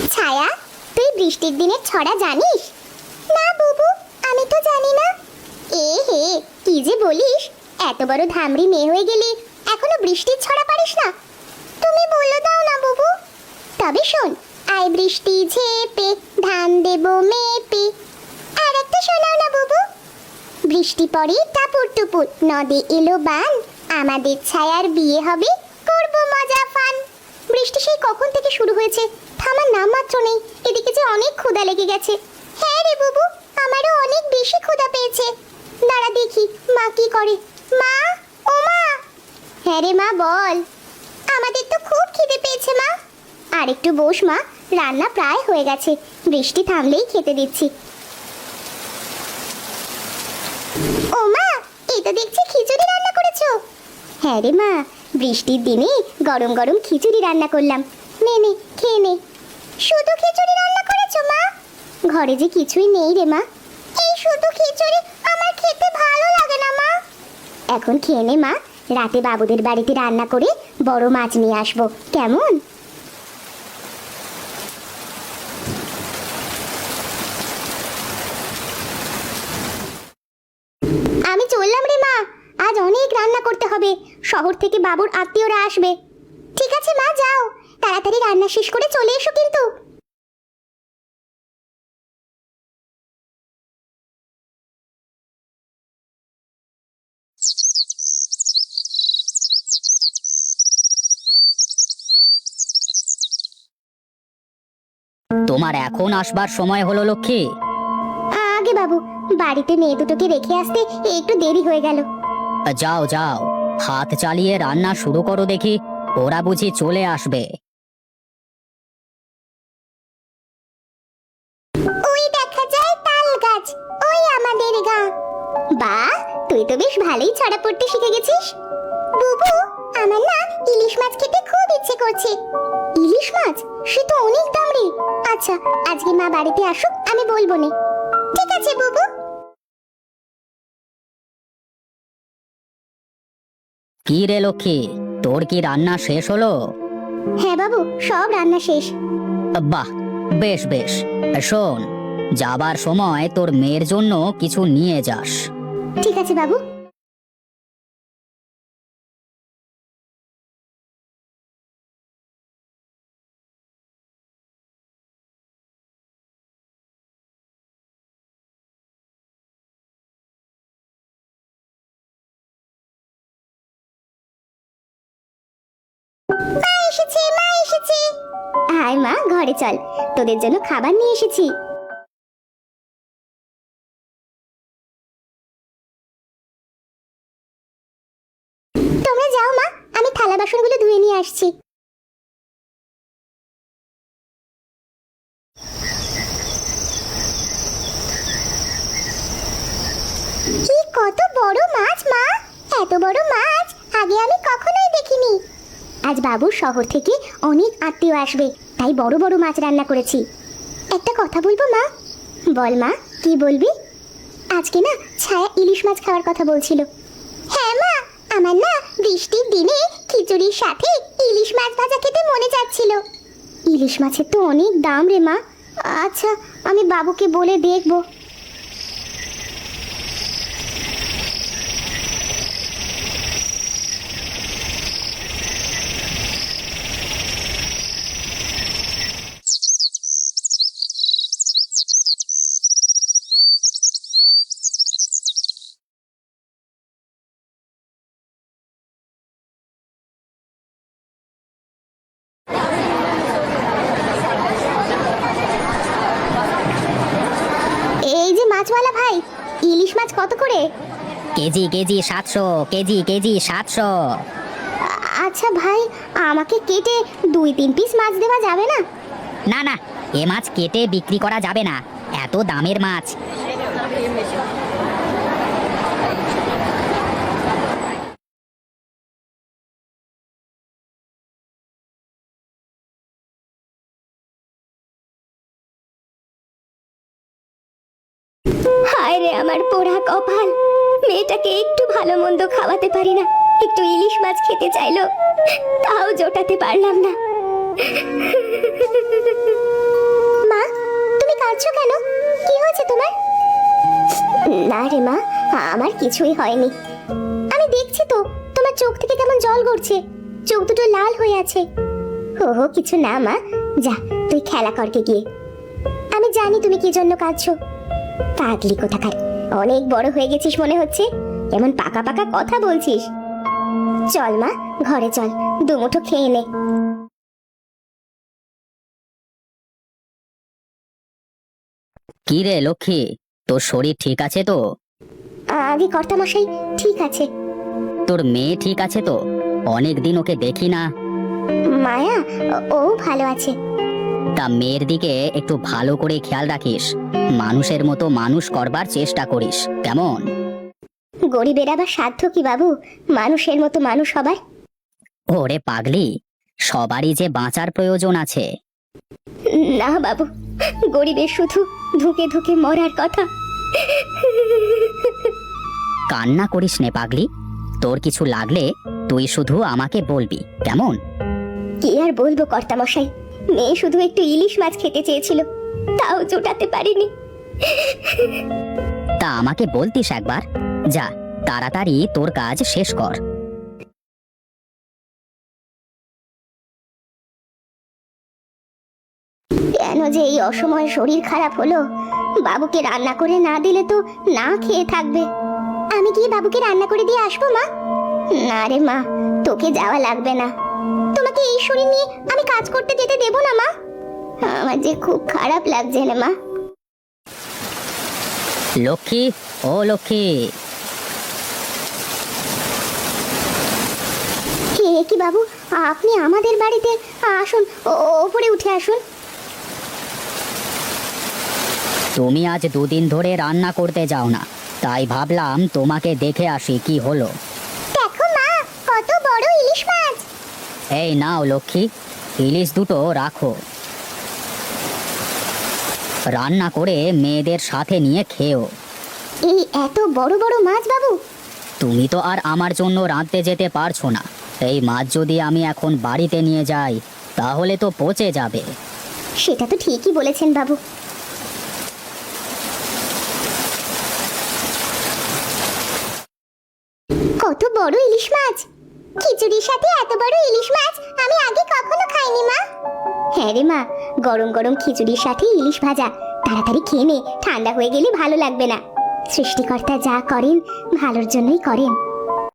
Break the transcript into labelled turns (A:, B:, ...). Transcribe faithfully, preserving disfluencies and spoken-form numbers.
A: ছায়া, তুই বৃষ্টির দিনের ছড়া জানিস? না বুবু, আমি তো জানি না। এ হে, কি যে বলিস! এত বড় ধামড়ি মেয়ে হয়ে গেলি, এখনো বৃষ্টির ছড়া পারিস না? তুমি বলে দাও না বুবু। তবে শোন, আয় বৃষ্টি ঝেপে ধান দেব মেপে। আর একটা শোনাও না বুবু। বৃষ্টি পড়ে টাপুর টুপুর, নদে এলো বান, আমাদের ছায়ার বিয়ে হবে, করব মজা ফান। বৃষ্টি সেই কখন থেকে শুরু হয়েছে, থামার নাম মাত্র নেই। এদিকে যে অনেক ক্ষুধা লেগে গেছে। হ্যাঁ রে বুবু, আমারও অনেক বেশি ক্ষুধা পেয়েছে। দাঁড়া দেখি মা কি করে। মা, ও মা! হ্যাঁ রে মা, বল। আমাদের তো খুব খিদে পেয়েছে মা। আর একটু বস মা, রান্না প্রায় হয়ে গেছে, বৃষ্টি থামলেই খেতে দিচ্ছি। ও মা, এই তো দেখছি খিচুড়ি রান্না করেছো। হ্যাঁ রে মা, বৃষ্টির দিনে গরম গরম খিচুড়ি রান্না করলাম। নে নে, খেয়ে নে। শুধু খিচুড়ি রান্না করেছো মা? ঘরে যে কিছুই নেই রে মা। এই শুধু খিচুড়ি আমার খেতে ভালো লাগে না মা। এখন খেয়ে নে মা, রাতে বাবুদের বাড়িতে রান্না করে বড় মাছ নিয়ে আসবো, কেমন? আমি চললাম রে মা, আজ অনেক রান্না করতে হবে, শহর থেকে বাবুর আত্মীয়রা আসবে। ঠিক আছে মা, যাও, তাড়াতাড়ি রান্না শেষ করে চলে এসো কিন্তু।
B: তোমার এখন আসবার সময় হলো লক্ষ্মী।
A: আগে বাবু, বাড়িতে মেয়ে দুটোকে রেখে আসতে একটু দেরি হয়ে গেল।
B: যাও যাও, হাত চালিয়ে রান্না শুরু করো দেখি, ওরা বুঝি চলে আসবে।
A: ওই দেখা যায় তাল গাছ, ওই আমাদের গা। বাহ, তুই তো বেশ ভালোই ছড়া পড়তে শিখে গেছিস। বুবু, আমার না ইলিশ মাছ খেতে খুব ইচ্ছে করছে। ইলিশ মাছ? সে তো অনেক দাম রে। আচ্ছা, আজকে মা বাড়িতে আসুক, আমি বলবো নে। ঠিক আছে বুবু।
B: কি রে লক্ষ্মী, তোর কি রান্না শেষ হলো?
A: হ্যাঁ বাবু, সব রান্না শেষ।
B: বাহ, বেশ বেশ। শোন, যাবার সময় তোর মেয়ের জন্য কিছু নিয়ে যাস।
A: ঠিক আছে বাবু। মা এসেছে, মা এসেছে। আয় মা, ঘরে চল, তোদের জন্য খাবার নিয়ে এসেছি। তোমরা যাও মা, আমি থালা বাসনগুলো ধুয়ে নিয়ে আসছি। কি কত বড় মাছ মা! এত বড় মাছ আগে আমি কখনোই দেখিনি। আজ বাবুর শহর থেকে অনেক আত্মীয় আসবে, তাই বড় বড় মাছ রান্না করেছি। একটা কথা বলবো মা? বল মা, কি বলবি? আজকে না ছায়া ইলিশ মাছ খাওয়ার কথা বলছিল। হ্যাঁ মা, আমার না বৃষ্টির দিনে খিচুড়ির সাথে ইলিশ মাছ ভাজা খেতে মনে যাচ্ছিল। ইলিশ মাছের তো অনেক দাম রে মা। আচ্ছা, আমি বাবুকে বলে দেখবো। এই যে মাছওয়ালা ভাই, ইলিশ মাছ কত করে?
B: কেজি কেজি সাতশো, কেজি কেজি সাতশো।
A: আচ্ছা ভাই, আমাকে কেটে দুই তিন পিস মাছ দেওয়া যাবে না?
B: না না, এ মাছ কেটে বিক্রি করা যাবে না, এত দামের মাছ।
A: হায় রে আমার পোড়া কপাল, মেয়েটাকে একটু ভালো মন্দ খাওয়াতে পারি না, একটু ইলিশ মাছ খেতে চাইলো, তাও জোটাতে পারলাম না। না রে মা, আমার কিছুই হয়নি। আমি দেখছি তো তোমার চোখ থেকে কেমন জল গড়ছে, চোখ দুটো লাল হয়ে আছে। ওহো কিছু না মা, যা তুই খেলা করকে গিয়ে। আমি জানি তুমি কি জন্য কাঁদছো। পাগলি কোথাকার, অনেক বড় হয়ে গেছিস মনে হচ্ছে, এমন পাকা পাকা কথা বলছিস। চল মা, ঘরে চল, দুমুঠো খেয়ে নে।
B: কি রে লক্ষ্মী, তোর শরীর ঠিক আছে তো?
A: আগে কর্তামশাই ঠিক আছে।
B: তোর মেয়ে ঠিক আছে তো? অনেক দিন ওকে দেখি না।
A: মায়া, ও ভালো আছে।
B: তা মেয়ের দিকে একটু ভালো করে খেয়াল রাখিস, মানুষের মতো মানুষ করবার চেষ্টা করিস, কেমন?
A: গরিবের আবার সাধ্য কি বাবু মানুষের মতো মানুষ হবার?
B: ওরে পাগলি, সবারই যে বাঁচার প্রয়োজন আছে।
A: না বাবু, গরিবের শুধু ধুকে ধুকে মরার কথা।
B: কান্না করিস নে পাগলি, তোর কিছু লাগলে তুই শুধু আমাকে বলবি, কেমন?
A: কি আর বলবো কর্তামশাই, মেয়ে শুধু একটু ইলিশ মাছ খেতে চেয়েছিল, তাও জোটাতে পারিনি।
B: তা আমাকে বলতিস একবার। যা, তাড়াতাড়ি তোর কাজ শেষ কর।
A: কেন যে এই অসময়ে শরীর খারাপ হলো? বাবুকে রান্না করে না দিলে তো না খেয়ে থাকবে। আমি গিয়ে বাবুকে রান্না করে দিয়ে আসবো মা। না রে মা, তোকে যাওয়া লাগবে না। তোমাকে এই শরীর নিয়ে আমি কাজ করতে যেতে দেবো না মা। আমার যে খুব খারাপ লাগছে রে মা।
B: লক্ষ্মী, ও লক্ষ্মী।
A: হে কি বাবু, আপনি আমাদের বাড়িতে? আসুন, ও- ওপরে উঠে আসুন।
B: তুমি আজ দুদিন ধরে রান্না করতে যাও না, তাই ভাবলাম তোমাকে দেখে আসি কি হলো।
A: দেখো মা, কত বড় ইলিশ মাছ।
B: এই নাও লক্ষ্মী, ইলিশ দুটো রাখো। রান্না করে মেয়েদের সাথে নিয়ে খেও।
A: এই এত বড় বড় মাছ বাবু?
B: তুমি তো আর আমার জন্য রাঁধতে যেতে পারছো না, এই মাছ যদি আমি এখন বাড়িতে নিয়ে যাই তাহলে তো পচে যাবে।
A: সেটা তো ঠিকই বলেছেন বাবু। কত বড় ইলিশ মাছ! খিচুড়ির সাথে এত বড় ইলিশ মাছ আমি আগে কখনো খাইনি মা। হ্যাঁ রে মা, গরম গরম খিচুড়ির সাথে ইলিশ ভাজা, তাড়াতাড়ি খেয়ে নে, ঠান্ডা হয়ে গেলে ভালো লাগবে না। সৃষ্টিকর্তা যা করেন ভালোর জন্যই করেন।